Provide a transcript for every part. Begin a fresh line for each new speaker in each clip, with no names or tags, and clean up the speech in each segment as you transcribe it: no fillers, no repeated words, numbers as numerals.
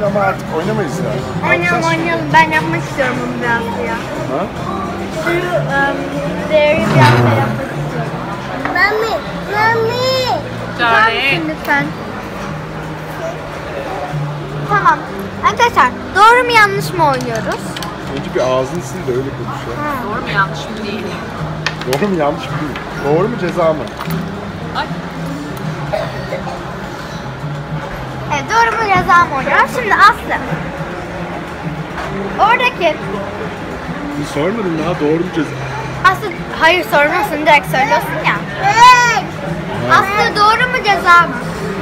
güzel ama artık oynamayız yani.
Oynayalım. Ben yapmak istiyorum bunu biraz ya.
Ha?
Şu değeri biraz da yapmak istiyorum. Mami. Tutar mısın lütfen? Tamam. Arkadaşlar doğru mu yanlış mı oynuyoruz?
Önce bir ağzını sil de öyle konuş ya.
Doğru mu yanlış mı değil?
Doğru mu yanlış mı değil? Doğru mu ceza mı?
Ay.
Evet, doğru mu ceza mı oynuyoruz? Şimdi Aslı. Oradaki
Bir sormadın daha doğru mu ceza?
Aslı, hayır sormuyorsun, direkt söylüyorsun ya. Aslı doğru mu ceza mı?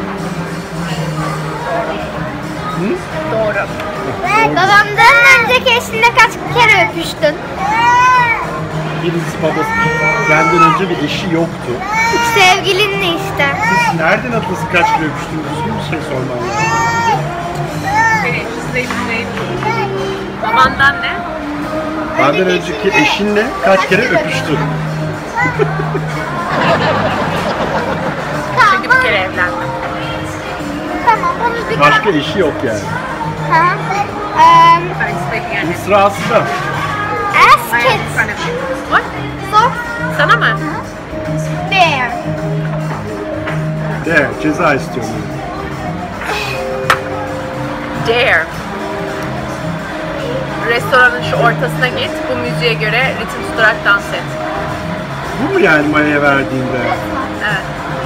Hı?
Doğru.
Babamdan önceki eşinle kaç kere öpüştün?
Birisi babası. Benden önce bir eşi yoktu.
Sevgilinle işte.
Siz nereden atlasın kaç kere öpüştünüz? Düzgün bir şey sorman lazım.
Babandan ne?
Benden önceki eşinle kaç kere öpüştün?
Çünkü bir kere evlendim.
Tamam, bunu bir
Başka eşi yok yani.
Ha.
I'm expecting an
Mısrası da.
Ask
I am in
it.
front of you. What?
Sor.
Sana mı?
There.
De ceza istiyorum.
Dare. Restoranın şu ortasına git, bu müziğe göre ritim tutarak dans et.
Bu mu yani Maya'ya verdiğinde?
Evet.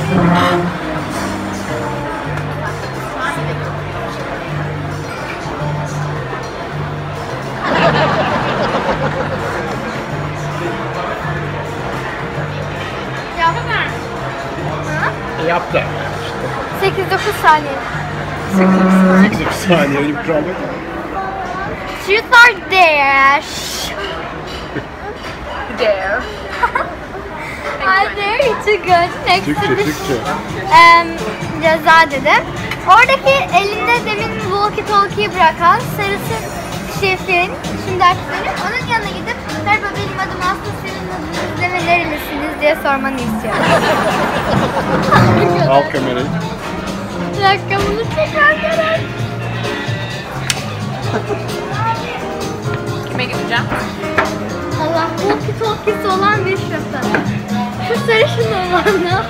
Yapma.
Yap da.
8-9 saniye.
8 saniye öyle bir kural yok.
Truth or dare?
Dare.
I dare you to go next
Türkçe,
to the
Türkçe.
ceza dedim. Oradaki elinde demin walkie talkie'yi bırakan sarısı şefin, şimdi aksini, onun yanına gidip merhaba benim adım Aslı, senin adınız ne ve nerelisiniz diye sormanı istiyorum.
Al kamerayı.
Rakamını tekrar görer.
Kime gideceğim?
Allah, walkie talkie'si olan bir şoför. Şu sarışın olanı.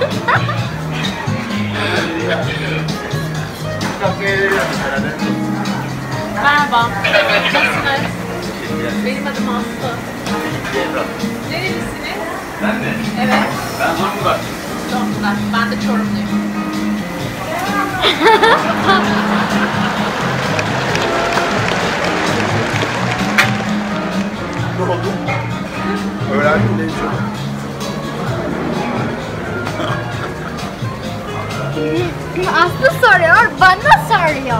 Merhaba. Nasılsınız? Benim adım Aslı. Nerelisiniz?
Ben mi?
Evet.
Ben Zonguldak.
Zonguldak. Ben de Çorumluyum.
Ne oldu? Öğrendim ne çok.
Aslı soruyor, bana soruyor.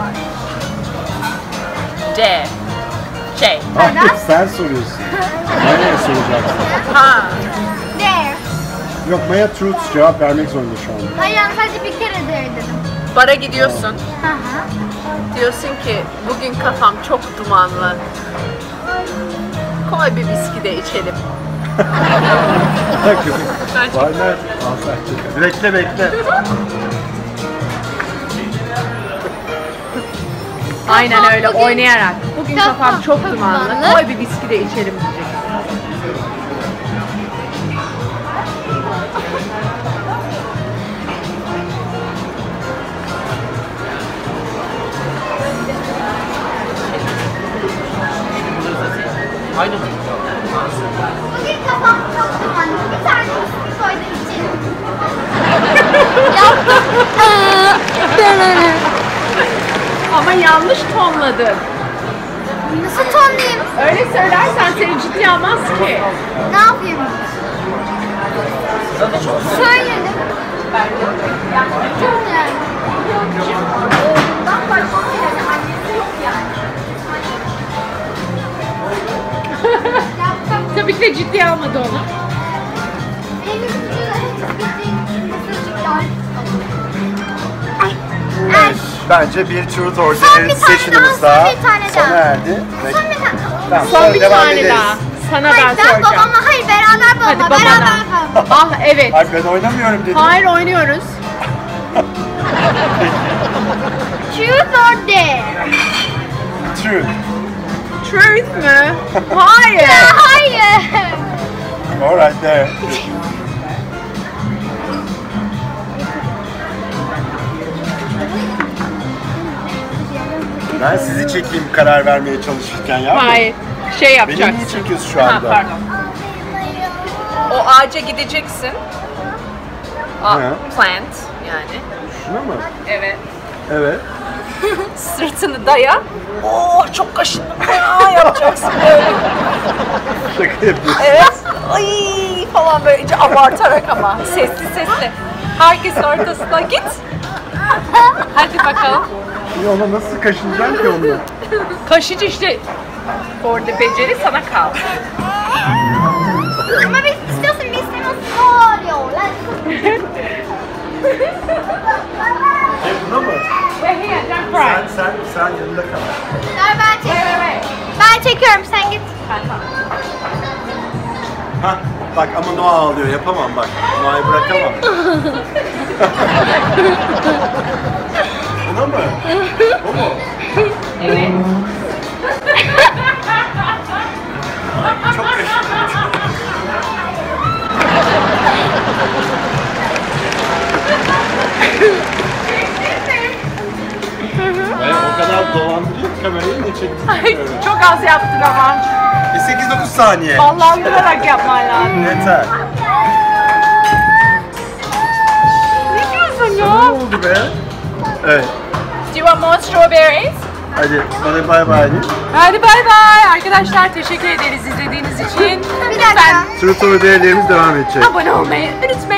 D. Şey.
Hayır sen soruyorsun. Maya'ya soracaksın.
Ha.
There.
Yok Maya truth cevap vermek zorunda şu anda.
Hayır, sadece bir kere there dedim.
Bara gidiyorsun.
Hı hı.
Diyorsun ki bugün kafam çok dumanlı. Koy bir viski de içelim.
Var nerede? Al sen. Bekle bekle.
Aynen öyle
bugün-
oynayarak. Bugün
Kafam
kafam çok
çok
dumanlı.
dumanlı.
Koy bir viski de içelim diyecek.
Aynı mı?
Bugün kafam çok dumanlı. Bir tane üstü koy da içelim. Yaptım.
Ama yanlış tonladın.
Nasıl tonlayayım?
Öyle söylersen seni ciddiye almaz ki.
Ne yapayım? Söyledim. Çok yani. Oğlundan başka yani annesi yok yani. Yaptım.
Tabii ki de ciddiye almadı onu.
Benim videoda hiç bildiğim mesajcıklar.
Bence bir truth or
Son
dare
bir tane
session'ımız
daha,
daha
son bir tane daha.
sona erdi. Ve-
Son bir tane.
Tamam,
Son
sonra
bir
devam
tane
ederiz.
daha. Sana
Hayır,
ben
ben
soracağım.
babama, hayır beraber babama,
Hadi babana.
beraber babama.
Ah evet.
Hayır ben oynamıyorum dedim.
Hayır oynuyoruz.
Truth or dare?
Truth.
Truth mü? Hayır.
Hayır.
Alright, there. Ben sizi çekeyim karar vermeye çalışırken ya.
Hayır. Şey
Beni
yapacaksın.
niye çekiyorsun şu
Ha,
anda?
pardon. O ağaca gideceksin.
Hı.
Plant yani.
Şuna mı?
Evet.
Evet.
Sırtını daya. Oo çok kaşındım ya yapacaksın böyle.
Şaka yapıyorsun.
Evet. Ay falan böyle iyice abartarak ama sesli sesli. Herkesin ortasına git. Hadi bakalım.
Ya ona nasıl kaşınacaksın ki onu?
Kaşıcı işte. Orada beceri sana kaldı.
Ama biz istiyorsun, biz istemiyorsun. Ne oluyor lan?
Buna mı? Sen yanında kal.
Ver ben çekiyorum. Ben çekiyorum, sen git.
Hah, bak ama Noah ağlıyor, yapamam bak. Noah'yı bırakamam. Buna mı? O mu?
Evet.
Çok kaşındım. O kadar dolandırıyor ki kamerayı ne çektin?
Ay, çok az yaptın ama.
8-9 saniye.
Vallahi vurarak yapman lazım.
Yeter.
Ne diyorsun
Ne
ya?
oldu be? Evet.
Do you want more strawberries?
Hadi bana bay bay deyin.
Hadi bay bay. Arkadaşlar teşekkür ederiz izlediğiniz için.
Bir dakika.
Truth or Dare'lerimiz devam edecek.
Abone olmayı unutmayın.